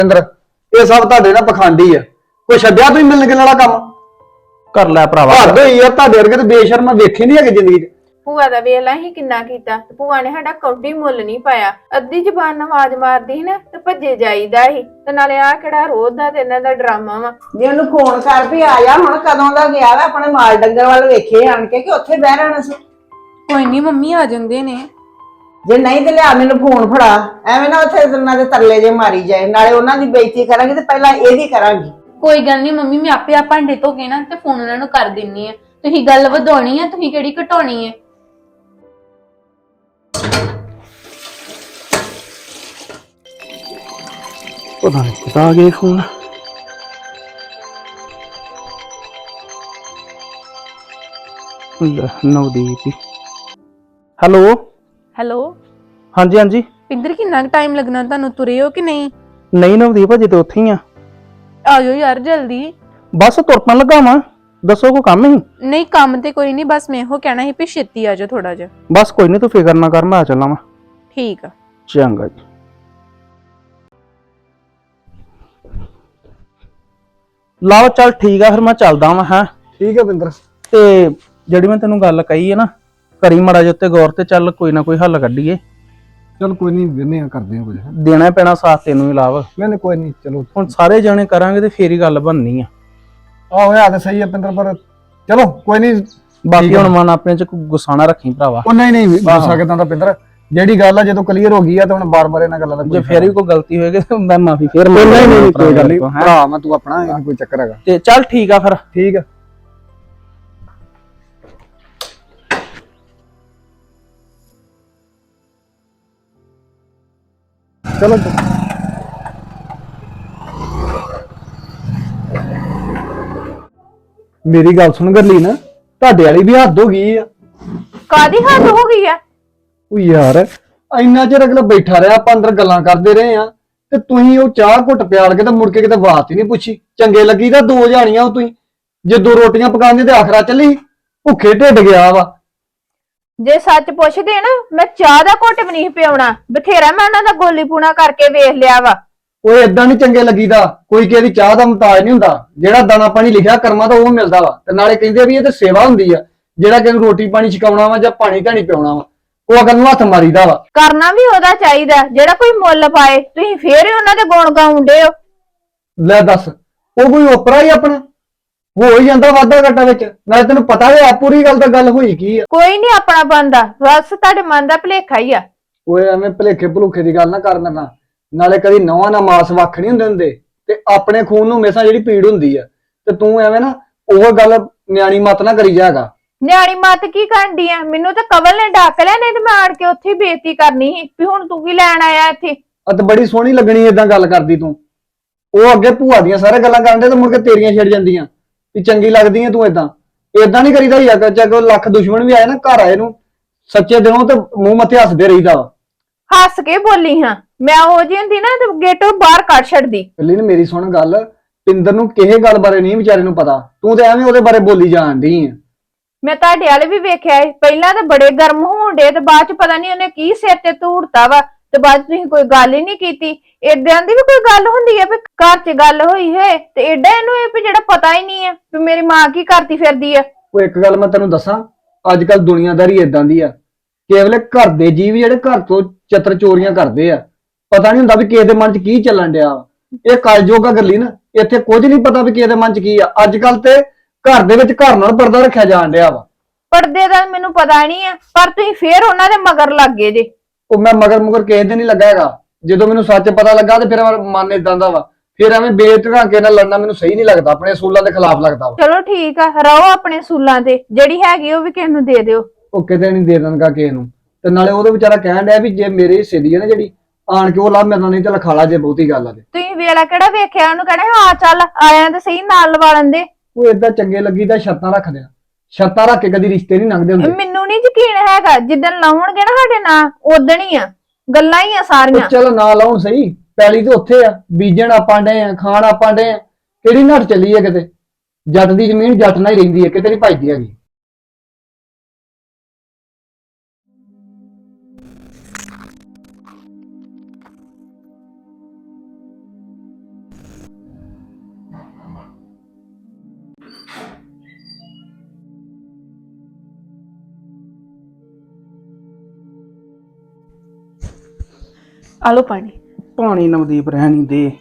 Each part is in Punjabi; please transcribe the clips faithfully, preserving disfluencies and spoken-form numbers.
ਇੰਦਰ ਇਹ ਸਭ ਤੁਹਾਡੇ ਨਾਲ ਪਖੰਡੀ ਆ। ਕੋਈ ਛੱਡਿਆ ਤੁਸੀਂ ਮਿਲਣ ਗਿਲਣ ਵਾਲਾ ਕੰਮ ਕਰ ਲੈ ਭਰਾਵਾ। ਹੱਦ ਹੋਈ ਆ ਤੁਹਾਡੇ ਵਰਗੇ ਤੇ ਬੇਸ਼ਰਮ ਵੇਖੇ ਨਹੀਂ ਹੈਗੇ ਜ਼ਿੰਦਗੀ 'ਚ। ਭੂਆ ਦਾ ਵੇਖ ਲੈ ਹੀ ਕਿੰਨਾ ਕੀਤਾ ਤੇ ਭੂਆ ਨੇ ਸਾਡਾ ਕੌਡੀ ਮੁੱਲ ਨਹੀਂ ਪਾਇਆ। ਅੱਧੀ ਜ਼ਬਾਨ ਨਾਲ ਆਵਾਜ਼ ਮਾਰਦੀ ਸੀ ਨਾ ਤੇ ਭੱਜੇ ਜਾਈਦਾ ਸੀ। ਤੇ ਨਾਲੇ ਆ ਕਿਹੜਾ ਰੋਜ਼ ਦਾ ਤੇ ਇਹਨਾਂ ਦਾ ਡਰਾਮਾ ਵਾ। ਜੇ ਉਹਨੂੰ ਫੋਨ ਕਰ ਵੀ ਆ ਜਾ, ਹੁਣ ਕਦੋਂ ਦਾ ਗਿਆ ਵਾ, ਆਪਣੇ ਮਾਲ ਡੰਗਰ ਵੱਲ ਵੇਖੇ ਆਣ ਕੇ ਕਿ ਉੱਥੇ ਬਹਿ ਰਹਿਣਾ ਸੀ। ਕੋਈ ਨਹੀਂ ਮੰਮੀ ਆ ਜਾਂਦੇ ਨੇ। ਜੇ ਨਹੀਂ ਤੇ ਲਿਆ ਮੈਨੂੰ ਫੋਨ ਫੜਾ, ਐਵੇਂ ਨਾ ਉੱਥੇ ਉਹਨਾਂ ਦੇ ਤਰਲੇ ਜੇ ਮਾਰੀ ਜਾਏ। ਨਾਲੇ ਉਹਨਾਂ ਦੀ ਬੇਇੱਜ਼ਤੀ ਕਰਾਂਗੀ ਤੇ ਪਹਿਲਾਂ ਇਹਦੀ ਕਰਾਂਗੀ। ਕੋਈ ਗੱਲ ਨਹੀਂ ਮੰਮੀ, ਮੈਂ ਆਪੇ ਆ ਭਾਂਡੇ ਧੋ ਕੇ ਨਾ ਤੇ ਫੋਨ ਉਹਨਾਂ ਨੂੰ ਕਰ ਦਿੰਨੀ ਆ। ਤੁਸੀਂ ਗੱਲ ਵਧਾਉਣੀ ਆ, ਤੁਸੀਂ ਕਿਹੜੀ ਘਟਾਉਣੀ ਹੈ। ਪਤਾ ਨਹੀਂ ਕਿਤਾ ਆ ਗਿਆ ਫੋਨ। ਨਵਦੀਪ। ਹੈਲੋ ਹੈਲੋ ਹਾਂਜੀ ਹਾਂਜੀ। ਪਿੰਦਰ, ਕਿੰਨਾ ਟਾਈਮ ਲੱਗਣਾ ਤੁਹਾਨੂੰ? ਤੁਰੇ ਹੋ ਕਿ ਨਹੀਂ? ਨਹੀਂ ਨਵਦੀਪ, ਅਜੇ ਤੇ ਉੱਥੇ ਹੀ ਆ। ਆ ਜਾਓ ਯਾਰ ਜਲਦੀ। ਬਸ ਤੁਰਪਣ ਲੱਗਾ ਵਾਂ। ਦੱਸੋ ਕੋਈ ਕੰਮ ਹੀ? ਨਹੀਂ ਕੰਮ ਤੇ ਕੋਈ ਨਹੀਂ, ਬਸ ਮੈਂ ਇਹੋ ਕਹਿਣਾ ਸੀ ਵੀ ਛੇਤੀ ਆ ਜਾਓ ਥੋੜਾ ਜਿਹਾ। ਬਸ ਕੋਈ ਨਹੀਂ, ਤੂੰ ਫਿਕਰ ਨਾ ਕਰ, ਮੈਂ ਆ ਚੱਲਾਂ ਵਾਂ। ਠੀਕ ਆ। ਚੰਗਾ ਜੀ। ਲਾਓ ਚੱਲ ਠੀਕ ਆ, ਫਿਰ ਮੈਂ ਚੱਲਦਾ ਵਾਂ। ਹੈ ਠੀਕ ਹੈ ਬਿੰਦਰ। ਤੇ ਜਿਹੜੀ ਮੈਂ ਤੈਨੂੰ ਗੱਲ ਕਹੀ ਹੈ ਨਾ, ਕਰੀ ਮੜਾ ਜਿਹਾ ਉੱਤੇ ਗੌਰ ਤੇ ਚੱਲ ਕੋਈ ਨਾ ਕੋਈ ਹੱਲ ਕੱਢੀਏ। ਚਲ ਕੋਈ ਨਹੀਂ, ਵਿਹਨੇ ਆ ਕਰਦੇ ਆ ਕੁਝ। ਦੇਣਾ ਪੈਣਾ ਸਾਥ ਤੈਨੂੰ ਹੀ ਲਾਭ। ਨਹੀਂ ਨਹੀਂ ਕੋਈ ਨਹੀਂ, ਚਲੋ ਹੁਣ ਸਾਰੇ ਜਣੇ ਕਰਾਂਗੇ ਤੇ ਫੇਰ ਹੀ ਗੱਲ ਬਣਨੀ ਆ। ਆਹੋ ਆ ਤਾਂ ਸਹੀ ਹੈ ਬਿੰਦਰ, ਪਰ ਚਲੋ ਕੋਈ ਨਹੀਂ। ਬਾਕੀ ਹੁਣ ਮਨ ਆਪਣੇ ਚ ਕੋਈ ਗੁੱਸਾ ਨਾ ਰੱਖੀ ਭਰਾਵਾ। ਉਹ ਨਹੀਂ ਨਹੀਂ ਗੁੱਸਾ ਕਿਦਾਂ ਦਾ ਬਿੰਦਰ, ਜਿਹੜੀ ਗੱਲ ਆ ਜਦੋਂ ਕਲੀਅਰ ਹੋ ਗਈ ਆ ਤਾਂ ਹੁਣ ਬਾਰ-ਬਾਰ ਇਹਨਾਂ ਗੱਲਾਂ ਦਾ ਜੇ ਫੇਰ ਵੀ ਕੋਈ ਗਲਤੀ ਹੋਏਗੀ ਤੇ ਮੈਂ ਮਾਫੀ ਫੇਰ ਨਹੀਂ ਨਹੀਂ ਕੋਈ ਗੱਲ ਨਹੀਂ ਭਰਾ, ਮੈਂ ਤੂੰ ਆਪਣਾ, ਇਹ ਕੋਈ ਚੱਕਰ ਹੈਗਾ। ਤੇ ਚੱਲ ਠੀਕ ਆ ਫਿਰ। ਠੀਕ ਆ। ਚਲੋ ਮੇਰੀ ਗੱਲ ਸੁਣ ਗਰਲੀ ਨਾ, ਤੁਹਾਡੇ ਵਾਲੀ ਵੀ ਹੱਦ ਹੋ ਗਈ ਆ। ਕਾਦੀ ਹੱਦ ਹੋ ਗਈ ਆ? ਉਹ ਯਾਰ ਇੰਨਾ ਚਿਰ ਅਗਲਾ ਬੈਠਾ ਰਿਹਾ, ਆਪਾਂ ਅੰਦਰ ਗੱਲਾਂ ਕਰਦੇ ਰਹੇ ਆ, ਤੇ ਤੁਸੀਂ ਉਹ ਚਾਹ ਘੁੱਟ ਪਿਆਲ ਕੇ ਤੇ ਮੁੜ ਕੇ ਕਿਤੇ ਬਾਤ ਹੀ ਨਹੀਂ ਪੁੱਛੀ। ਚੰਗੇ ਲੱਗੀ ਤਾਂ ਦੋ ਜਾਣੀਆਂ ਉਹ ਤੁਸੀਂ, ਜੇ ਦੋ ਰੋਟੀਆਂ ਪਕਾਉਂਦੇ ਤੇ ਆਖਰਾ ਚੱਲੀ ਭੁੱਖੇ ਢਿੱਡ ਗਿਆ ਵਾ। ਜੇ ਸੱਚ ਪੁੱਛਦੇ ਨਾ, ਮੈਂ ਚਾਹ ਦਾ ਘੁੱਟ ਵੀ ਨਹੀਂ ਪਿਆਉਣਾ। ਬਥੇਰਾ ਮੈਂ ਉਹਨਾਂ ਦਾ ਗੋਲੀ ਪੂਣਾ ਕਰਕੇ ਵੇਖ ਲਿਆ ਵਾ। ਉਹ ਏਦਾਂ ਨਹੀਂ ਚੰਗੇ ਲੱਗੀਦਾ। ਕੋਈ ਕਿਸੇ ਦੀ ਚਾਹ ਦਾ ਮੁਤਾਜ ਨਹੀਂ ਹੁੰਦਾ। ਜਿਹੜਾ ਦਾਣਾ ਪਾਣੀ ਲਿਖਿਆ ਕਰਮਾਂ ਦਾ ਉਹ ਮਿਲਦਾ ਵਾ। ਤੇ ਨਾਲੇ ਕਹਿੰਦੇ ਵੀ ਇਹ ਤੇ ਸੇਵਾ ਹੁੰਦੀ ਆ, ਜਿਹੜਾ ਕਿਸੇ ਨੂੰ ਰੋਟੀ ਪਾਣੀ ਛਕਾਉਣਾ ਵਾ ਜਾਂ ਪਾਣੀ ਧਾਣੀ ਪਿਆਉਣਾ ਵਾ, ਉਹ ਅਗਰ ਨੂੰ ਹੱਥ ਮਾਰੀਦਾ ਵਾ। ਕਰਨਾ ਵੀ ਉਹਦਾ ਚਾਹੀਦਾ ਜਿਹੜਾ ਕੋਈ ਮੁੱਲ ਪਾਏ। ਤੁਸੀਂ ਫੇਰ ਹੀ ਉਹਨਾਂ ਦੇ ਗੁਣ ਗਾਉਂਦੇ ਹੋ। ਲੈ ਦੱਸ, ਉਹ ਕੋਈ ਓਪਰਾ ਹੀ ਆਪਣਾ ਹੋ ਹੀ ਜਾਂਦਾ ਵਾਧਾ ਘਾਟਾ ਵਿੱਚ। ਨਾਲੇ ਤੈਨੂੰ ਪਤਾ ਹੈ ਪੂਰੀ ਗੱਲ ਤਾਂ ਗੱਲ ਹੋਈ ਕੀ ਆ। ਕੋਈ ਨਹੀਂ ਆਪਣਾ ਬੰਦਾ, ਬਸ ਤੁਹਾਡੇ ਮਨ ਦਾ ਭੁਲੇਖਾ ਹੀ ਆ। ਓਏ ਐਵੇਂ ਭਲੇਖੇ ਭਲੂਖੇ ਦੀ ਗੱਲ ਨਾ ਕਰ ਮੈਨਾਂ। ਨਾਲੇ ਕਦੀ ਨਵਾਂ ਨਾ ਮਾਸ ਵੱਖ ਨਹੀਂ ਹੁੰਦੇ ਹੁੰਦੇ, ਤੇ ਆਪਣੇ ਖੂਨ ਨੂੰ ਹਮੇਸ਼ਾ ਜਿਹੜੀ ਪੀੜ ਹੁੰਦੀ ਆ। ਤੇ ਤੂੰ ਐਵੇਂ ਨਾ ਉਹ ਗੱਲ ਨਿਆਣੀ ਮਤ ਨਾ ਕਰੀ ਜਾਗਾ। ਨਿਆਣੀ ਮੱਤ ਕੀ ਕਰਦੀ ਆ? ਮੈਨੂੰ ਤਾਂ ਕਵਲ ਨੇ ਡੱਕ ਲਿਆ, ਨਹੀਂ ਤੇ ਮੈਂ ਆਣ ਕੇ ਉੱਥੇ ਹੀ ਬੇਇੱਜ਼ਤੀ ਕਰਨੀ ਸੀ ਵੀ ਹੁਣ ਤੂੰ ਕੀ ਲੈਣ ਆਇਆ ਇੱਥੇ। ਅਤੇ ਬੜੀ ਸੋਹਣੀ ਲੱਗਣੀ ਏਦਾਂ ਗੱਲ ਕਰਦੀ ਤੂੰ। ਉਹ ਅੱਗੇ ਭੂਆ ਦੀਆਂ ਸਾਰੇ ਗੱਲਾਂ ਕਰਨ ਦੇ ਤੇ ਮੁੜ ਕੇ ਤੇਰੀਆਂ ਛਿੜ ਜਾਂਦੀਆਂ ਵੀ ਚੰਗੀ ਲੱਗਦੀ ਐ ਤੂੰ। ਏਦਾਂ ਏਦਾਂ ਨਹੀਂ ਕਰੀਦਾ ਯਾਰ। ਚਾਹੇ ਲੱਖ ਦੁਸ਼ਮਣ ਵੀ ਆਏ ਨਾ ਘਰ ਆਏ ਨੂੰ, ਸੱਚੇ ਦਿਲੋਂ ਤੇ ਮੂੰਹ ਮੱਥੇ ਹੱਸਦੇ ਰਹੀਦਾ ਵਾ। ਹੱਸ ਕੇ ਬੋਲੀ ਹਾਂ ਮੈਂ, ਉਹ ਜੀ ਹੁੰਦੀ ਨਾ ਤੇ ਗੇਟੋਂ ਬਾਹਰ ਕੱਢ ਛੱਡਦੀ। ਪਹਿਲੀ ਨੇ ਮੇਰੀ ਸੁਣ ਗੱਲ, ਪਿੰਦਰ ਨੂੰ ਕਿਸੇ ਗੱਲ ਬਾਰੇ ਨਹੀਂ ਵਿਚਾਰੇ ਨੂੰ ਪਤਾ। ਤੂੰ ਤੇ ਐਵੇਂ ਉਹਦੇ ਬਾਰੇ ਬੋਲੀ ਜਾਣ ਡਈ ਆ। ਮੈਂ ਤੁਹਾਡੇ ਵਾਲੇ ਵੀ ਵੇਖਿਆ ਏ, ਪਹਿਲਾਂ ਤਾਂ ਬੜੇ ਗਰਮ ਹੋਣ ਡੇ ਤੇ ਬਾਅਦ ਚ ਪਤਾ ਨਹੀਂ ਉਹਨੇ ਕੀ ਸਿਰ ਤੇ ਧੂੜਤਾ ਵਾ, ਤੇ ਬਾਅਦ ਚ ਤੁਸੀਂ ਕੋਈ ਗੱਲ ਹੀ ਨਹੀਂ ਕੀਤੀ। ਏਦਾਂ ਦੀ ਵੀ ਕੋਈ ਗੱਲ ਹੁੰਦੀ ਹੈ ਵੀ ਘਰ ਚ ਗੱਲ ਹੋਈ ਹੈ ਤੇ ਏਡਾ ਇਹਨੂੰ ਇਹ ਵੀ ਜਿਹੜਾ ਪਤਾ ਹੀ ਨਹੀਂ ਹੈ ਵੀ ਮੇਰੀ ਮਾਂ ਕੀ ਕਰਦੀ ਫਿਰਦੀ ਆ। ਉਹ ਇੱਕ ਗੱਲ ਮੈਂ ਤੈਨੂੰ ਦੱਸਾਂ, ਅੱਜ ਕੱਲ ਦੁਨੀਆਦਾਰੀ ਏਦਾਂ ਦੀ ਆ, ਕੇਵਲ ਘਰ ਦੇ ਜੀਵ ਜਿਹੜੇ ਘਰ ਤੋਂ ਚਤਰ ਚੋਰੀਆਂ ਕਰਦੇ ਆ, ਪਤਾ ਨਹੀਂ ਹੁੰਦਾ ਵੀ ਕਿਸੇ ਦੇ ਮਨ 'ਚ ਕੀ ਚੱਲਣ ਡਿਆ ਵਾ। ਇਹ ਕਲਯੁਗ ਆ ਗੱਲੀ ਨਾ, ਇੱਥੇ ਕੁਝ ਨਹੀਂ ਪਤਾ ਵੀ ਕਿਸੇ ਦੇ ਮਨ 'ਚ ਕੀ ਆ। ਅੱਜ ਕੱਲ ਤੇ ਘਰ ਦੇ ਵਿੱਚ ਘਰ ਨਾਲ ਪਰਦਾ ਰੱਖਿਆ ਜਾਣ ਡਿਆ ਵਾ। ਪਰਦੇ ਦਾ ਮੈਨੂੰ ਪਤਾ ਨਹੀਂ ਆ, ਪਰ ਤੁਸੀਂ ਫੇਰ ਉਹਨਾਂ ਦੇ ਮਗਰ ਲੱਗ ਗਏ ਜੇ। ਉਹ ਮੈਂ ਮਗਰ ਮੁਗਰ ਕਿਸੇ ਦੇ ਨਹੀਂ ਲੱਗਾ ਹੈਗਾ। ਜਦੋਂ ਮੈਨੂੰ ਸੱਚ ਪਤਾ ਲੱਗਾ ਤੇ ਫਿਰ ਮਨ ਏਦਾਂ ਦਾ ਵਾ। ਫਿਰ ਐਵੇਂ ਬੇਤਹਾਕੇ ਨਾਲ ਲੜਨਾ ਮੈਨੂੰ ਸਹੀ ਨਹੀਂ ਲੱਗਦਾ, ਆਪਣੇ ਅਸੂਲਾਂ ਦੇ ਖਿਲਾਫ ਲੱਗਦਾ ਵਾ। ਚਲੋ ਠੀਕ ਆ, ਰਹੋ ਆਪਣੇ ਅਸੂਲਾਂ ਤੇ, ਜਿਹੜੀ ਹੈਗੀ ਉਹ ਵੀ ਕਿਸੇ ਨੂੰ ਦੇ ਦਿਓ। ਉਹ ਕਿਤੇ ਨਹੀਂ ਦੇ ਦੇਣਗਾ ਕਿਸੇ ਨੂੰ। ਤੇ ਨਾਲੇ ਉਹਦੇ ਵਿਚਾਰਾ ਕਹਿਣ ਡਿਆ ਵੀ ਜੇ ਮੇਰੇ ਹਿੱਸੇ ਦੀ ਹੈ ਨਾ ਜਿਹੜੀ, ਆਣ ਕੇ ਉਹ ਲਾ ਮੇਰੇ ਨਾਲ, ਨਹੀਂ ਤੇ ਲਖਾਲਾ ਜੇ ਬਹੁਤੀ ਗੱਲ ਆ। ਤੇ ਤੁਸੀਂ ਵੇਲਾ ਕਿਹੜਾ ਵੇਖਿਆ ਉਹਨੂੰ ਕਹਿਣਾ ਹਾਂ ਚੱਲ ਆਇਆ ਤੇ ਸਹੀ ਨਾਲ ਲਵਾ ਲੈਂਦੇ। ਉਹ ਏਦਾਂ ਚੰਗੇ ਲੱਗੀ ਤਾਂ ਸ਼ਰਤਾਂ ਰੱਖਦੇ ਆ। ਸ਼ਰਤਾਂ ਰੱਖ ਕੇ ਕਦੀ ਰਿਸ਼ਤੇ ਨਹੀਂ ਲੰਘਦੇ ਹੁੰਦੇ। ਮੈਨੂੰ ਨਹੀਂ ਯਕੀਨ ਹੈਗਾ, ਜਿੱਦਣ ਲਾਉਣਗੇ ਨਾ ਸਾਡੇ ਨਾਂ ਉਦਣ ਹੀ ਆ, ਗੱਲਾਂ ਹੀ ਆ ਸਾਰੀਆਂ। ਚਲ ਨਾ ਲਾਉਣ ਸਹੀ, ਪੈਲੀ ਤੇ ਉੱਥੇ ਆ, ਬੀਜਣ ਆਪਾਂ ਡੇ ਆ, ਖਾਣ ਆਪਾਂ ਡੇ ਆ। ਕਿਹੜੀ ਨੱਠ ਚੱਲੀ ਹੈ ਕਿਤੇ? ਜੱਟ ਦੀ ਜ਼ਮੀਨ ਜੱਟ ਨਾਲ ਹੀ ਰਹਿੰਦੀ ਹੈ, ਕਿਤੇ ਨਹੀਂ ਭੱਜਦੀ ਹੈਗੀ। ਆ ਲਓ ਪਾਣੀ। ਪਾਣੀ ਨਵਦੀਪ ਰਹਿਣ ਨਹੀਂ ਦੇ।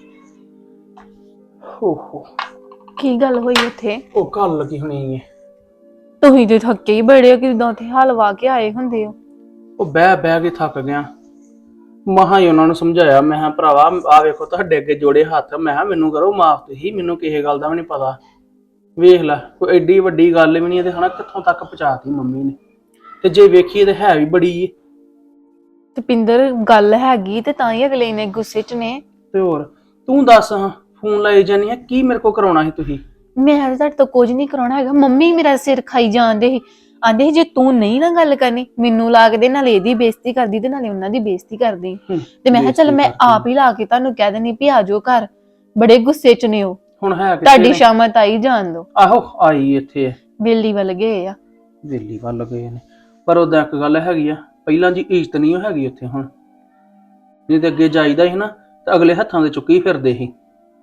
ਹੋ ਹੋ ਕੀ ਗੱਲ ਹੋਈ ਉੱਥੇ? ਉਹ ਗੱਲ ਲੱਗੀ ਹੋਣੀ ਹੈ। ਤੁਸੀਂ ਤੇ ਥੱਕੇ ਹੀ ਬੜੇ ਹੋ, ਕਿਦਾਂ ਉੱਥੇ ਹਲਵਾ ਕੇ ਆਏ ਹੁੰਦੇ ਹੋ। ਉਹ ਬਹਿ ਬਹਿ ਕੇ ਥੱਕ ਗਿਆ। ਮਹਾ ਹੀ ਉਹਨਾਂ ਨੂੰ ਸਮਝਾਇਆ, ਮੈਂ ਕਿਹਾ ਭਰਾਵਾ ਆ ਵੇਖੋ ਤੁਹਾਡੇ ਅੱਗੇ ਜੋੜੇ ਹੱਥ, ਮੈਂ ਕਿਹਾ ਮੈਨੂੰ ਕਰੋ ਮਾਫ, ਤੁਸੀਂ ਮੈਨੂੰ ਕਿਸੇ ਗੱਲ ਦਾ ਵੀ ਨਹੀਂ ਪਤਾ। ਵੇਖ ਲੈ ਕੋਈ ਐਡੀ ਵੱਡੀ ਗੱਲ ਵੀ ਨਹੀਂ ਤੇ ਹਨਾ ਕਿੱਥੋਂ ਤੱਕ ਪਹੁੰਚਾਤੀ ਮੰਮੀ ਨੇ। ਤੇ ਜੇ ਵੇਖੀਏ ਤੇ ਹੈ ਵੀ ਬੜੀ ਏ। ਤੇ ਪਿੰਦਰ ਗੱਲ ਹੈਗੀ ਤੇ ਤਾਂ ਹੀ ਅਗਲੇ ਨੇ ਗੁੱਸੇ ਚ ਨੇ। ਤੇ ਹੋਰ ਤੂੰ ਦੱਸ, ਹਾਂ ਫੋਨ ਲਾਈ ਜਾਨੀ ਆ, ਕੀ ਮੇਰੇ ਕੋ ਕਰਾਉਣਾ ਸੀ ਤੁਸੀਂ? ਮੈਂ ਤਾਂ ਤੁਹਾਡੇ ਤੋਂ ਕੁਝ ਨਹੀਂ ਕਰਾਉਣਾ ਹੈਗਾ। ਮੰਮੀ ਮੇਰਾ ਸਿਰ ਖਾਈ ਜਾਂਦੇ ਸੀ, ਆਂਦੇ ਸੀ ਜੇ ਤੂੰ ਨਹੀਂ ਨਾ ਗੱਲ ਕਰਨੀ ਮੈਨੂੰ ਲਾ ਕੇ ਦੇ, ਨਾਲੇ ਇਹਦੀ ਬੇਇੱਜ਼ਤੀ ਕਰਦੀ ਤੇ ਨਾਲੇ ਉਹਨਾਂ ਦੀ ਬੇਇੱਜ਼ਤੀ ਕਰਦੀ। ਤੇ ਮੈਂ ਕਿਹਾ ਚੱਲ ਮੈਂ ਆਪ ਹੀ ਲਾ ਕੇ ਤੁਹਾਨੂੰ ਕਹਿ ਦੇਣੀ ਵੀ ਆ ਜਾਓ ਘਰ। ਬੜੇ ਗੁੱਸੇ ਚ ਨੇ ਉਹ। ਹੁਣ ਹੈ ਤੁਹਾਡੀ ਸ਼ਾਮਤ ਆਈ ਜਾਣ ਦੋ। ਆਹੋ ਆਈ ਇੱਥੇ ਬੇਲੀ ਵੱਲ ਗਏ ਆ। ਵੇਲੀ ਵੱਲ ਗਏ ਨੇ, ਪਰ ਉਹਦਾ ਇੱਕ ਗੱਲ ਹੈਗੀ ਆ, ਪਹਿਲਾਂ ਜੀ ਇੱਜ਼ਤ ਨਹੀਂ ਹੈਗੀ ਉੱਥੇ ਹੁਣ। ਨਹੀਂ ਤੇ ਅੱਗੇ ਜਾਈਦਾ ਸੀ ਨਾ ਤੇ ਅਗਲੇ ਹੱਥਾਂ ਦੇ ਚੁੱਕੀ ਫਿਰਦੇ ਸੀ।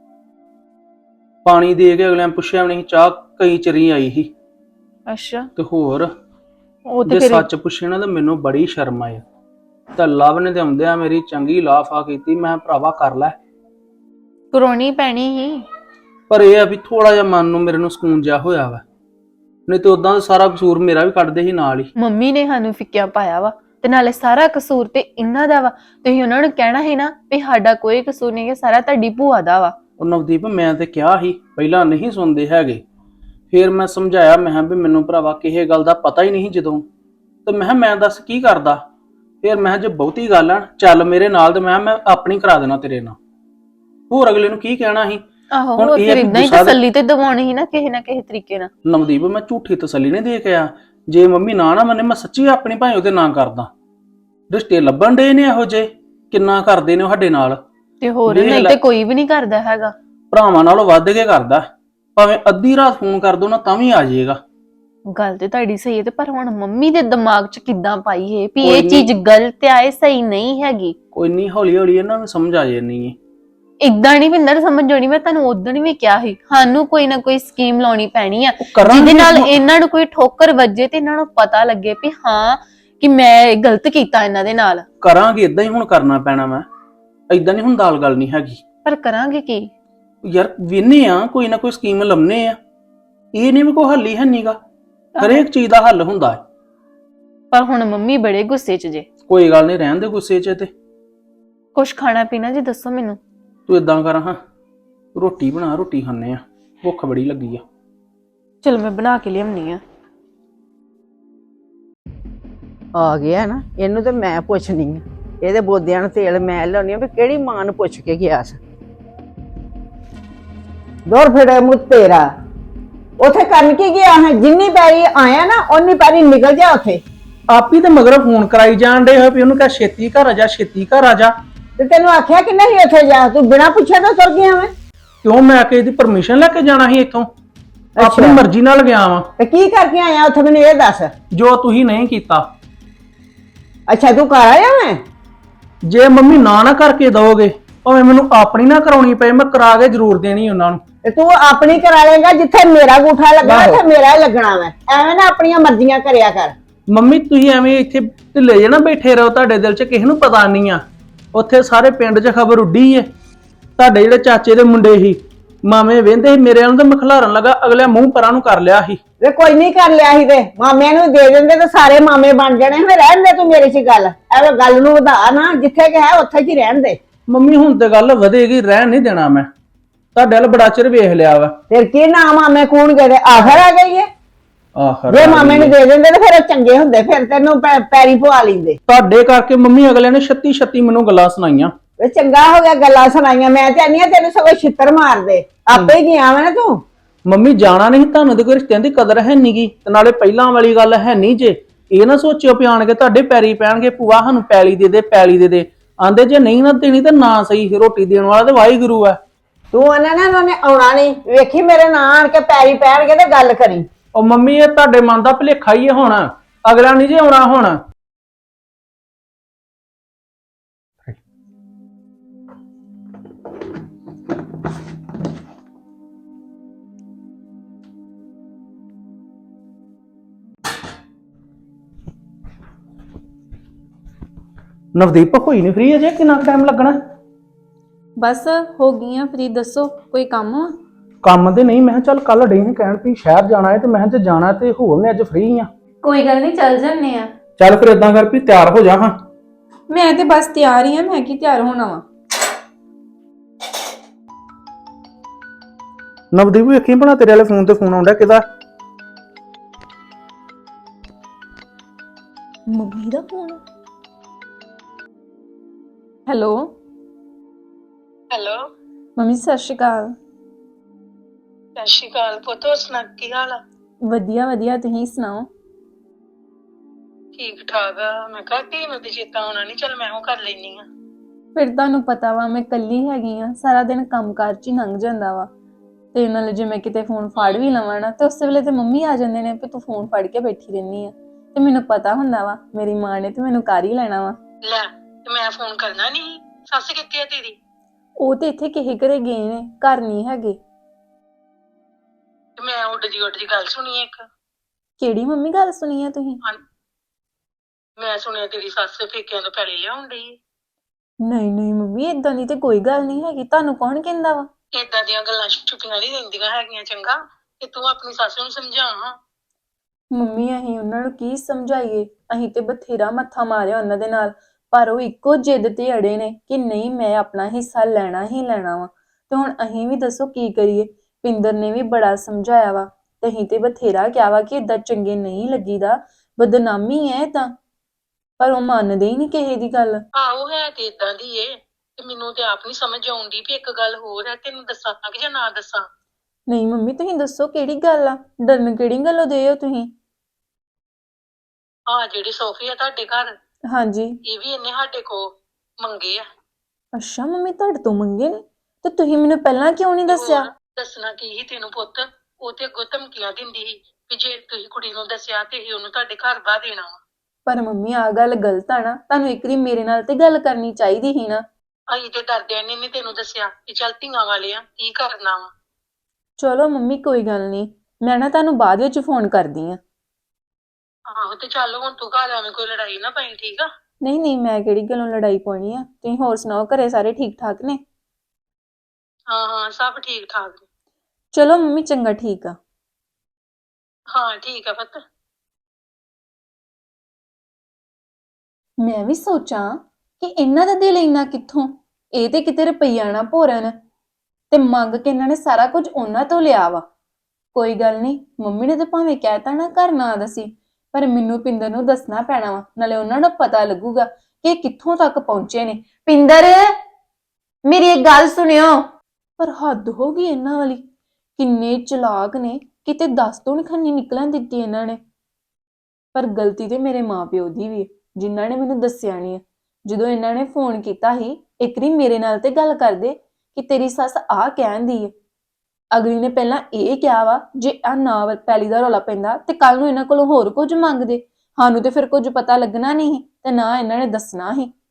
ਪਾਣੀ ਦੇ ਕੇ ਅਗਲਿਆਂ ਪੁੱਛਿਆ ਵੀ ਨਹੀਂ, ਚਾਹ ਕਈ ਚਰੀ ਆਈ ਸੀ। ਅੱਛਾ। ਤੇ ਹੋਰ ਉਹ ਜੇ ਤੇ ਫਿਰ ਸੱਚ ਪੁੱਛੇ ਨਾ ਤਾਂ ਮੈਨੂੰ ਬੜੀ ਸ਼ਰਮ ਆਈ। ਤਾਂ ਲਵ ਨੇ ਤੇ ਆਉਂਦਿਆਂ ਮੇਰੀ ਚੰਗੀ ਲਾਫਾ ਕੀਤੀ, ਮੈਂ ਭਰਾਵਾ ਕਰ ਲੈ ਕਰਾਉਣੀ ਪੈਣੀ ਹੀ। ਪਰ ਇਹ ਆ ਵੀ ਥੋੜਾ ਜਿਹਾ ਮਨ ਨੂੰ ਮੇਰੇ ਨੂੰ ਸਕੂਨ ਜਿਹਾ ਹੋਇਆ ਵਾ, ਨਹੀਂ ਤੇ ਉਦਾਂ ਸਾਰਾ ਕਸੂਰ ਮੇਰਾ ਵੀ ਕੱਢਦੇ ਸੀ ਨਾਲ ਹੀ। ਮੰਮੀ ਨੇ ਸਾਨੂੰ ਫਿੱਕਿਆ ਪਾਇਆ ਵਾ ਤੇ ਨਾਲੇ ਸਾਰਾ ਕਸੂਰ ਤੇ ਇਹਨਾਂ ਦਾ ਵਾ। ਤੁਸੀਂ ਉਹਨਾਂ ਨੂੰ ਕਹਿਣਾ ਸੀ ਨਾ ਵੀ ਸਾਡਾ ਕੋਈ ਕਸੂਰ ਨਹੀਂ ਹੈ, ਸਾਰਾ ਤੁਹਾਡੀ ਭੂਆ ਦਾ ਵਾ। ਉਹ ਨਵਦੀਪ ਮੈਂ ਤੇ ਕਿਹਾ ਸੀ, ਪਹਿਲਾਂ ਨਹੀਂ ਸੁਣਦੇ ਹੈਗੇ। ਫਿਰ ਮੈਂ ਸਮਝਾਇਆ, ਮੈਂ ਕਿਹਾ ਵੀ ਮੈਨੂੰ ਭਰਾਵਾ ਕਿਸੇ ਗੱਲ ਦਾ ਪਤਾ ਹੀ ਨਹੀਂ ਜਦੋਂ, ਤੇ ਮੈਂ ਕਿਹਾ ਮੈਂ ਦੱਸ ਕੀ ਕਰਦਾ। ਫਿਰ ਮੈਂ ਕਿਹਾ ਜੇ ਬਹੁਤੀ ਗੱਲ ਆ ਚੱਲ ਮੇਰੇ ਨਾਲ, ਤੇ ਮੈਂ ਮੈਂ ਆਪਣੀ ਕਰਾ ਦੇਣਾ ਤੇਰੇ ਨਾਲ, ਹੋਰ ਅਗਲੇ ਨੂੰ ਕੀ ਕਹਿਣਾ ਸੀ। ਆਹੋ ਹੋਰ ਫਿਰ ਇਦਾਂ ਹੀ ਤਸੱਲੀ ਤੇ ਦਿਵਾਉਣੀ ਸੀ ਨਾ ਕਿਸੇ ਨਾ ਕਿਸੇ ਤਰੀਕੇ ਨਾਲ। ਨਵਦੀਪ ਮੈਂ ਝੂਠੀ ਤਸੱਲੀ ਨਹੀਂ ਦੇ ਕੇ ਆ, ਜੇ ਮੰਮੀ ਨਾ ਨਾ ਮੰਨੇ ਮੈਂ ਸੱਚੀ ਆਪਣੀ ਭਾਈ ਉਹਦੇ ਨਾਂ ਕਰਦਾ। ਰਿਸ਼ਤੇ ਲੱਭਣ ਦੇ ਨੇ ਇਹੋ ਜੇ, ਕਿੰਨਾ ਕਰਦੇ ਨੇ ਸਾਡੇ ਨਾਲ। ਤੇ ਹੋਰ ਨਹੀਂ ਤੇ ਕੋਈ ਵੀ ਨਹੀਂ ਕਰਦਾ ਹੈਗਾ। ਭਰਾਵਾਂ ਨਾਲੋਂ ਵੱਧ ਕੇ ਕਰਦਾ, ਭਾਵੇਂ ਅੱਧੀ ਰਾਤ ਫੋਨ ਕਰ ਦੋ ਨਾ ਤਾਂ ਵੀ ਆ ਜਾਏਗਾ। ਗੱਲ ਤੇ ਤੁਹਾਡੀ ਸਹੀ ਹੈ, ਤੇ ਪਰ ਹੁਣ ਮੰਮੀ ਦੇ ਦਿਮਾਗ 'ਚ ਕਿੱਦਾਂ ਪਾਈ ਹੈ ਵੀ ਇਹ ਚੀਜ਼ ਗਲਤ ਆ, ਇਹ ਸਹੀ ਨਹੀਂ ਹੈਗੀ। ਕੋਈ ਨਹੀਂ, ਹੌਲੀ ਹੌਲੀ ਇਹਨਾਂ ਨੂੰ ਸਮਝ ਆ ਜਾਣੀ ਹੈ। ਇਦਾਂ ਨਹੀਂ ਪਿੰਦਰ ਸਮਝ ਆਉਣੀ। ਮੈਂ ਤੁਹਾਨੂੰ ਉਦੋਂ ਵੀ ਕਿਹਾ ਸੀ ਸਾਨੂੰ ਕੋਈ ਨਾ ਕੋਈ ਸਕੀਮ ਲਾਉਣੀ ਪੈਣੀ ਆ ਜਿਹਦੇ ਨਾਲ ਇਹਨਾਂ ਨੂੰ ਕੋਈ ਠੋਕਰ ਵੱਜੇ ਤੇ ਇਹਨਾਂ ਨੂੰ ਪਤਾ ਲੱਗੇ ਵੀ ਹਾਂ ਕਿ ਮੈਂ ਗਲਤ ਕੀਤਾ ਇਹਨਾਂ ਦੇ ਨਾਲ। ਕਰਾਂਗੇ ਇਦਾਂ ਹੀ, ਹੁਣ ਕਰਨਾ ਪੈਣਾ। ਮੈਂ ਇਦਾਂ ਨਹੀਂ, ਹੁਣ ਦਾਲ ਗੱਲ ਨਹੀਂ ਹੈਗੀ। ਪਰ ਕਰਾਂਗੇ ਕੀ ਯਾਰ, ਵੇਨੇ ਆ ਕੋਈ ਨਾ ਕੋਈ ਸਕੀਮ ਲੰਮਨੇ ਆ, ਇਹ ਨਹੀਂ ਵੀ ਕੋਈ ਹੱਲ ਹੀ ਹੈ ਨੀਗਾ। ਹਰੇਕ ਚੀਜ਼ ਦਾ ਹੱਲ ਹੁੰਦਾ ਹੈ। ਪਰ ਹੁਣ ਮੰਮੀ ਬੜੇ ਗੁੱਸੇ 'ਚ ਜੇ। ਕੋਈ ਗੱਲ ਨਹੀਂ, ਰਹਿਣ ਦੇ ਗੁੱਸੇ 'ਚ। ਤੇ ਕੁਛ ਖਾਣਾ ਪੀਣਾ ਜੀ ਦੱਸੋ ਮੈਨੂੰ। ਤੂੰ ਇਦਾਂ ਕਰ, ਹਾਂ ਰੋਟੀ ਬਣਾ, ਰੋਟੀ ਖਾਣੇ ਆ, ਭੁੱਖ ਬੜੀ ਲੱਗੀ ਆ। ਚਲ ਮੈਂ ਬਣਾ ਕੇ ਲਿਆਉਣੀ ਆ। ਆ ਗਿਆ ਨਾ, ਇਹਨੂੰ ਤੇ ਮੈਂ ਪੁੱਛਣੀ ਆ, ਇਹਦੇ ਬੋਦਿਆਂ ਨੂੰ ਤੇਲ ਮੈਂ ਲਾਉਣੀ ਆ ਵੀ ਕਿਹੜੀ ਮਾਂ ਨੂੰ ਪੁੱਛ ਕੇ ਗਿਆ ਸੀ। ਦੌਰ ਫਿਰੇ ਮੂੰਹ ਤੇਰਾ, ਉਥੇ ਕਰਨ ਕੀ ਗਿਆ ਹੈ? ਜਿੰਨੀ ਪੈਰੀ ਆਇਆ ਨਾ ਓਨੀ ਪੈਰੀ ਨਿਕਲ ਜਾ ਉਥੇ। ਆਪ ਹੀ ਤੇ ਮਗਰ ਫੋਨ ਕਰਾਈ ਜਾਣ ਡੇ ਹੋਏ ਵੀ ਉਹਨੂੰ ਕਹ ਛੇਤੀ ਘਰ ਆ ਜਾ, ਛੇਤੀ ਘਰ ਆ ਜਾ। ਤੇ ਤੈਨੂੰ ਆਖਿਆ ਕਿ ਨਹੀਂ ਉੱਥੇ ਜਾ, ਤੂੰ ਬਿਨਾਂ ਪੁੱਛਿਆ ਤਾਂ ਤੁਰ ਗਿਆ ਮੈਂ। ਕਿਉਂ, ਮੈਂ ਕਿ ਇਹਦੀ ਪਰਮਿਸ਼ਨ ਲੈ ਕੇ ਜਾਣਾ ਸੀ ਇੱਥੋਂ? ਆਪਣੀ ਮਰਜ਼ੀ ਨਾਲ ਗਿਆ ਵਾਂ। ਤੇ ਕੀ ਕਰਕੇ ਆਇਆ ਉੱਥੇ ਮੈਨੂੰ ਇਹ ਦੱਸ। ਜੋ ਤੁਸੀਂ ਨਹੀਂ ਕੀਤਾ। ਅੱਛਾ ਤੂੰ ਘਰ ਆਇਆ ਮੈਂ? ਜੇ ਮੰਮੀ ਨਾ ਨਾ ਕਰਕੇ ਦੋਗੇ, ਭਾਵੇਂ ਮੈਨੂੰ ਆਪਣੀ ਨਾ ਕਰਾਉਣੀ ਪਏ, ਮੈਂ ਕਰਾ ਕੇ ਜ਼ਰੂਰ ਦੇਣੀ ਉਹਨਾਂ ਨੂੰ। ਤੇ ਤੂੰ ਆਪਣੀ ਕਰਾ ਲੇਗਾ, ਜਿੱਥੇ ਮੇਰਾ ਗੂਠਾ ਲੱਗਣਾ ਉੱਥੇ ਮੇਰਾ ਹੀ ਲੱਗਣਾ ਵਾ। ਐਵੇਂ ਨਾ ਆਪਣੀਆਂ ਮਰਜ਼ੀਆਂ ਕਰਿਆ ਕਰ। ਮੰਮੀ ਤੁਸੀਂ ਐਵੇਂ ਇੱਥੇ ਢਿੱਲੇ ਜੇ ਨਾ ਬੈਠੇ ਰਹੋ, ਤੁਹਾਡੇ ਦਿਲ 'ਚ ਕਿਸੇ ਨੂੰ ਪਤਾ ਨਹੀਂ ਆ। ਉੱਥੇ ਸਾਰੇ ਪਿੰਡ 'ਚ ਖਬਰ ਉੱਡੀ ਏ, ਤੁਹਾਡੇ ਜਿਹੜੇ ਚਾਚੇ ਦੇ ਮੁੰਡੇ ਸੀ ਮਾਮੇ ਵਹਿੰਦੇ ਸੀ ਮੇਰੇ ਨੂੰ, ਤੇ ਮਖਲਾਰਨ ਲੱਗਾ, ਅਗਲੇ ਮੂੰਹ ਪਰਾਂ ਨੂੰ ਕਰ ਲਿਆ ਸੀ। ਵੇ ਕੋਈ ਨਹੀਂ ਕਰ ਲਿਆ ਸੀ, ਤੇ ਮਾਮਿਆਂ ਨੂੰ ਦੇ ਦਿੰਦੇ ਤੇ ਸਾਰੇ ਮਾਮੇ ਬਣ ਜਾਣੇ। ਫਿਰ ਰਹਿਣ ਦੇ ਤੂੰ ਮੇਰੇ 'ਚ ਗੱਲ, ਐਵੇਂ ਗੱਲ ਨੂੰ ਵਧਾ ਨਾ, ਜਿੱਥੇ ਕਿ ਹੈ ਉੱਥੇ 'ਚ ਹੀ ਰਹਿਣ ਦੇ। ਮੰਮੀ ਹੁਣ ਤੇ ਗੱਲ ਵਧੇਗੀ, ਰਹਿਣ ਨਹੀਂ ਦੇਣਾ ਮੈਂ। ਤੁਹਾਡੇ ਵੱਲ ਬੜਾ ਚਿਰ ਵੇਖ ਲਿਆ ਵਾ। ਫਿਰ ਕੀ ਨਾ ਮਾਮੇ ਕੂਣ ਗਏ, ਤੇ ਆਖਰ ਆ ਗਈ ਏ। ਆਖਰ ਜੇ ਮਾਮੇ ਨੂੰ ਦੇ ਦਿੰਦੇ ਤੇ ਫਿਰ ਉਹ ਚੰਗੇ ਹੁੰਦੇ, ਫਿਰ ਤੈਨੂੰ ਪੈਰੀ ਪਵਾ ਲੈਂਦੇ। ਤੁਹਾਡੇ ਕਰਕੇ ਮੰਮੀ ਅਗਲਿਆਂ ਨੇ ਛੱਤੀ ਛੱਤੀ ਮੈਨੂੰ ਗੱਲਾਂ ਸੁਣਾਈਆਂ। ਵੇ ਚੰਗਾ ਹੋ ਗਿਆ ਗੱਲਾਂ ਸੁਣਾਈਆਂ, ਮੈਂ ਤੇ ਆਨੀ ਆ ਤੈਨੂੰ ਸਗੋਂ ਛਿੱਤਰ ਮਾਰਦੇ। ਆਪੇ ਹੀ ਗਿਆ ਵਾ ਨਾ ਤੂੰ। ਮੰਮੀ ਜਾਣਾ ਨਹੀਂ, ਤੁਹਾਨੂੰ ਤੇ ਕੋਈ ਰਿਸ਼ਤਿਆਂ ਦੀ ਕਦਰ ਹੈ ਨੀ ਗੀ, ਤੇ ਨਾਲੇ ਪਹਿਲਾਂ ਵਾਲੀ ਗੱਲ ਹੈ ਨਹੀਂ ਜੇ। ਇਹ ਨਾ ਸੋਚਿਓ ਵੀ ਆਣ ਕੇ ਤੁਹਾਡੇ ਪੈਰੀ ਪੈਣਗੇ, ਭੂਆ ਸਾਨੂੰ ਪੈਲੀ ਦੇ ਦੇ, ਪੈਲੀ ਦੇ ਦੇ। ਆਂਦੇ ਜੇ ਨਹੀਂ ਨਾ ਦੇਣੀ ਤੇ ਨਾ ਸਹੀ, ਰੋਟੀ ਦੇਣ ਵਾਲਾ ਤੇ ਵਾਹਿਗੁਰੂ ਆ। ਤੂੰ ਉਹਨਾਂ ਨੇ ਉਹਨੇ ਆਉਣਾ ਨਹੀਂ, ਵੇਖੀ ਮੇਰੇ ਨਾਂ ਆਣ ਕੇ ਪੈਰੀ ਪੈਣਗੇ ਤੇ ਗੱਲ ਕਰੀ। ਉਹ ਮੰਮੀ ਇਹ ਤੁਹਾਡੇ ਮਨ ਦਾ ਭੁਲੇਖਾ ਹੀ ਹੈ, ਹੁਣ ਅਗਲਾ ਨਹੀਂ ਜੇ ਆਉਣਾ ਹੁਣ। ਨਵਦੀਪ ਹੋਈ ਨਹੀਂ ਫ੍ਰੀ ਅਜੇ, ਕਿੰਨਾ ਟਾਈਮ ਲੱਗਣਾ? ਬਸ ਹੋ ਗਈਆਂ ਫ੍ਰੀ। ਦੱਸੋ ਕੋਈ ਕੰਮ ਆ? ਕੰਮ ਤੇ ਨਹੀਂ, ਮੈਂ ਕਿਹਾ ਚੱਲ ਕੱਲ ਡੇ ਕਹਿਣ ਵੀ ਸ਼ਹਿਰ ਜਾਣਾ ਹੈ ਤੇ ਮੈਂ ਕਿਹਾ ਜੇ ਜਾਣਾ ਤੇ ਹੋ ਮੈਂ ਅੱਜ ਫ੍ਰੀ ਆ। ਕੋਈ ਗੱਲ ਨਹੀਂ, ਚੱਲ ਜੰਨੇ ਆ। ਚੱਲ ਫਿਰ ਇਦਾਂ ਕਰ ਵੀ ਤਿਆਰ ਹੋ ਜਾ ਹਾਂ। ਮੈਂ ਤੇ ਬਸ ਤਿਆਰ ਹੀ ਆ, ਮੈਂ ਕੀ ਤਿਆਰ ਹੋਣਾ ਵਾ। ਨਵਦੀਪ ਵੇਖੀ ਬਣਾ ਤੇਰੇ ਵਾਲੇ ਫੋਨ ਤੇ ਫੋਨ ਆਉਂਦਾ ਕਿਹਦਾ? ਮੰਮੀ ਦਾ phone. Hello hello, mummy, Sat Sri ਅਕਾਲ। ਸਤਿ ਸ਼੍ਰੀ ਅਕਾਲ ਪੁੱਤ। ਹੋਰ ਸੁਣਾ ਕੀ ਹਾਲ ਆ? ਵਧੀਆ ਵਧੀਆ, ਤੁਸੀਂ ਸੁਣਾਓ? ਠੀਕ ਠਾਕ ਆ। ਮੈਂ ਕਿਹਾ ਧੀ ਨੂੰ ਤੇ ਚੇਤਾ ਆਉਣਾ ਨਹੀਂ, ਚੱਲ ਮੈਂ ਉਹ ਕਰ ਲੈਣੀ ਆ। ਫਿਰ ਤੁਹਾਨੂੰ ਪਤਾ ਵਾ ਮੈਂ ਇਕੱਲੀ ਹੈਗੀ ਆ, ਸਾਰਾ ਦਿਨ ਕੰਮਕਾਰ 'ਚ ਹੀ ਲੰਘ ਜਾਂਦਾ ਵਾ। ਤੇ ਨਾਲੇ ਜੇ ਮੈਂ ਕਿਤੇ ਫੋਨ ਫੜ ਵੀ ਲਵਾਂ ਨਾ ਤੇ ਉਸੇ ਵੇਲੇ ਤੇ ਮੰਮੀ ਆ ਜਾਂਦੇ ਨੇ ਵੀ ਤੂੰ ਫੋਨ ਫੜ ਕੇ ਬੈਠੀ ਰਹਿੰਦੀ ਆ। ਤੇ ਮੈਨੂੰ ਪਤਾ ਹੁੰਦਾ ਵਾ ਮੇਰੀ ਮਾਂ ਨੇ ਤੇ ਮੈਨੂੰ ਕਰ ਹੀ ਲੈਣਾ ਵਾ। ਲੈ, ਤੇ ਮੈਂ ਫੋਨ ਕਰਨਾ ਨਹੀਂ? ਸੱਸ ਕਿੱਥੇ ਆ ਤੇਰੀ? ਉਹ ਤੇ ਇੱਥੇ ਕਿਸੇ ਘਰੇ ਗਏ ਨੇ, ਘਰ ਨਹੀਂ ਹੈਗੇ। ਤੇ ਮੈਂ ਉੱਡ ਦੀ ਉੱਡ ਦੀ ਗੱਲ ਸੁਣੀ ਇੱਕ। ਕਿਹੜੀ ਮੰਮੀ ਗੱਲ ਸੁਣੀ ਆ ਤੁਸੀਂ? ਹਾਂ, ਮੈਂ ਸੁਣਿਆ ਤੇਰੀ ਸੱਸ ਪੇਕਿਆਂ ਤੋਂ ਪੈਲੀ ਲਿਆਉਣ ਡਈ ਏ। ਨਹੀਂ ਨਹੀਂ ਮੰਮੀ, ਏਦਾਂ ਦੀ ਤੇ ਕੋਈ ਗੱਲ ਨਹੀਂ ਹੈਗੀ। ਤੁਹਾਨੂੰ ਕੌਣ ਕਹਿੰਦਾ ਵਾ? ਏਦਾਂ ਦੀਆਂ ਗੱਲਾਂ ਛੁਪੀਆਂ ਨਹੀਂ ਰਹਿੰਦੀਆਂ ਹੈਗੀਆਂ, ਚੰਗਾ। ਤੇ ਤੂੰ ਆਪਣੀ ਸੱਸ ਨੂੰ ਸਮਝਾ ਹਾਂ। ਮੰਮੀ ਅਸੀਂ ਉਹਨਾਂ ਨੂੰ ਕੀ ਸਮਝਾਈਏ? ਅਸੀਂ ਤੇ ਬਥੇਰਾ ਮੱਥਾ ਮਾਰਿਆ ਉਹਨਾਂ ਦੇ ਨਾਲ, ਪਰ ਉਹ ਇੱਕੋ ਜਿੱਦ ਤੇ ਅੜੇ ਨੇ ਕਿ ਨਹੀਂ, ਮੈਂ ਆਪਣਾ ਹਿੱਸਾ ਲੈਣਾ ਹੀ ਲੈਣਾ ਵਾ। ਤੇ ਹੁਣ ਅਸੀਂ ਵੀ ਦੱਸੋ ਕੀ ਕਰੀਏ? ਪਿੰਦਰ ਨੇ ਵੀ ਬੜਾ ਸਮਝਾਇਆ ਵਾ ਤੇ ਅਸੀਂ ਤੇ ਬਥੇਰਾ ਕਿਹਾ ਵਾ ਕਿ ਏਦਾਂ ਚੰਗੇ ਨਹੀਂ ਲੱਗੀਦਾ, ਬਦਨਾਮੀ ਹੈ ਤਾਂ, ਪਰ ਉਹ ਮੰਨਦੇ ਹੀ ਨਹੀਂ ਕਿਸੇ ਦੀ ਗੱਲ। ਆਹੋ, ਹੈ ਤੇ ਏਦਾਂ ਦੀ ਏ। ਤੇ ਮੈਨੂੰ ਤੇ ਆਪ ਨਹੀਂ ਸਮਝ ਆਉਂਦੀ ਵੀ ਇੱਕ ਗੱਲ ਹੋਰ ਹੈ, ਤੈਨੂੰ ਦੱਸਾਂ ਕਿ ਜਾਂ ਨਾ ਦੱਸਾਂ? ਨਹੀਂ ਮੰਮੀ, ਤੁਸੀਂ ਦੱਸੋ ਕਿਹੜੀ ਗੱਲ ਆ? ਡਰਨ ਕਿਹੜੀ ਗੱਲੋਂ ਦੇ ਹੋ ਤੁਸੀਂ? ਆਹ ਜਿਹੜੇ ਸੋਫੇ ਆ ਤੁਹਾਡੇ ਘਰ, ਹਾਂਜੀ। ਇਹ ਵੀ ਇਹਨੇ ਸਾਡੇ ਕੋਲ ਮੰਗੇ ਆ। ਅੱਛਾ ਮੰਮੀ, ਤੁਹਾਡੇ ਤੋਂ ਮੰਗੇ ਨੇ? ਤੇ ਤੁਸੀਂ ਮੈਨੂੰ ਪਹਿਲਾਂ ਕਿਉਂ ਨਹੀਂ ਤੇ ਦੱਸਿਆ? ਹੋਰ ਦੱਸਣਾ ਕੀ ਸੀ ਤੈਨੂੰ ਪੁੱਤ? ਉਹ ਤੇ ਅੱਗੋਂ ਧਮਕੀਆਂ ਦਿੰਦੀ ਸੀ ਵੀ ਜੇ ਤੁਸੀਂ ਕੁੜੀ ਨੂੰ ਦੱਸਿਆ ਤੇ ਹੀ ਉਹਨੂੰ ਤੁਹਾਡੇ ਘਰ ਬਾਹ ਦੇਣਾ ਵਾ। ਪਰ ਮੰਮੀ ਆਹ ਗੱਲ ਗਲਤ ਆ ਨਾ, ਤੁਹਾਨੂੰ ਇੱਕ ਵਾਰੀ ਮੇਰੇ ਨਾਲ ਤੇ ਗੱਲ ਕਰਨੀ ਚਾਹੀਦੀ ਸੀ ਨਾ। ਅਸੀਂ ਤੇ ਡਰਦਿਆਂ ਨੇ ਨੀ ਤੈਨੂੰ ਦੱਸਿਆ ਕਿ ਚੱਲ ਧੀਆਂ ਵਾਲੇ ਆ, ਕੀ ਕਰਨਾ ਵਾ। ਚਲੋ ਮੰਮੀ ਕੋਈ ਗੱਲ ਨਹੀਂ, ਮੈਂ ਨਾ ਤੁਹਾਨੂੰ ਬਾਅਦ ਵਿੱਚ ਫੋਨ ਕਰਦੀ ਆ। ਆਹੋ, ਤੇ ਚੱਲ ਹੁਣ ਤੂੰ ਘਰ ਐਵੇਂ ਕੋਈ ਲੜਾਈ ਨਾ ਪਈ, ਠੀਕ ਆ? ਨਹੀਂ ਨਹੀਂ, ਮੈਂ ਕਿਹੜੀ ਗੱਲੋਂ ਲੜਾਈ ਪਾਉਣੀ ਆ। ਤੁਸੀਂ ਹੋਰ ਸੁਣਾਓ, ਘਰੇ ਸਾਰੇ ਠੀਕ ਠਾਕ ਨੇ? ਹਾਂ ਹਾਂ, ਸਭ ਠੀਕ ਠਾਕ ਨੇ। ਚਲੋ ਮੰਮੀ, ਚੰਗਾ, ਠੀਕ ਆ। ਹਾਂ ਠੀਕ ਆ ਪੁੱਤ। ਮੈਂ ਵੀ ਸੋਚਾਂ ਕਿ ਇਹਨਾਂ ਦਾ ਦਿਲ ਇੰਨਾ ਕਿੱਥੋਂ? ਇਹ ਤੇ ਕਿਤੇ ਰੁਪਈਆ ਨਾ ਭੋਰਨ ਤੇ ਮੰਗ ਕੇ ਇਹਨਾਂ ਨੇ ਸਾਰਾ ਕੁਝ ਉਹਨਾਂ ਤੋਂ ਲਿਆ ਵਾ। ਕੋਈ ਗੱਲ ਨਹੀਂ, ਮੰਮੀ ਨੇ ਤਾਂ ਭਾਵੇਂ ਕਹਿਤਾ ਨਾ ਘਰ ਨਾ ਦਸੀ, ਪਰ ਮੈਨੂੰ ਪਿੰਦਰ ਨੂੰ ਦੱਸਣਾ ਪੈਣਾ ਵਾ, ਨਾਲੇ ਉਹਨਾਂ ਨੂੰ ਪਤਾ ਲੱਗੂਗਾ ਕਿ ਇਹ ਕਿੱਥੋਂ ਤੱਕ ਪਹੁੰਚੇ ਨੇ। ਪਿੰਦਰ, ਮੇਰੀ ਇੱਕ ਗੱਲ ਸੁਣਿਓ। ਪਰ ਹੱਦ ਹੋ ਗਈ ਇਹਨਾਂ ਵਾਲੀ, ਕਿੰਨੇ ਚਲਾਕ ਨੇ, ਕਿਤੇ ਦੱਸ ਤੋਂ ਨੀ ਖੰਨੀ ਨਿਕਲਣ ਦਿੱਤੀ ਇਹਨਾਂ ਨੇ। ਪਰ ਗਲਤੀ ਤੇ ਮੇਰੇ ਮਾਪਿਓ ਦੀ ਵੀ ਹੈ, ਜਿਨ੍ਹਾਂ ਨੇ ਮੈਨੂੰ ਦੱਸਿਆ ਨਹੀਂ ਹੈ। ਜਦੋਂ ਇਹਨਾਂ ਨੇ ਫੋਨ ਕੀਤਾ ਸੀ, ਇੱਕ ਵਾਰੀ ਮੇਰੇ ਨਾਲ ਤੇ ਗੱਲ ਕਰਦੇ ਕਿ ਤੇਰੀ ਸੱਸ ਆਹ ਕਹਿੰਦੀ ਹੈ। ਅਗਲੀ ਨੇ ਪਹਿਲਾਂ ਇਹ ਕਿਹਾ ਵਾ ਜੇ ਆ ਨਾ ਪੈਲੀ ਦਾ ਰੌਲਾ ਪੈਂਦਾ ਤੇ ਕੱਲ ਨੂੰ ਇਹਨਾਂ ਕੋਲੋਂ ਹੋਰ ਕੁਝ ਮੰਗਦੇ, ਸਾਨੂੰ ਤੇ ਫਿਰ ਕੁਝ ਪਤਾ ਲੱਗਣਾ ਨਹੀਂ ਤੇ ਨਾ ਇਹਨਾਂ ਨੇ ਦੱਸਣਾ ਸੀ।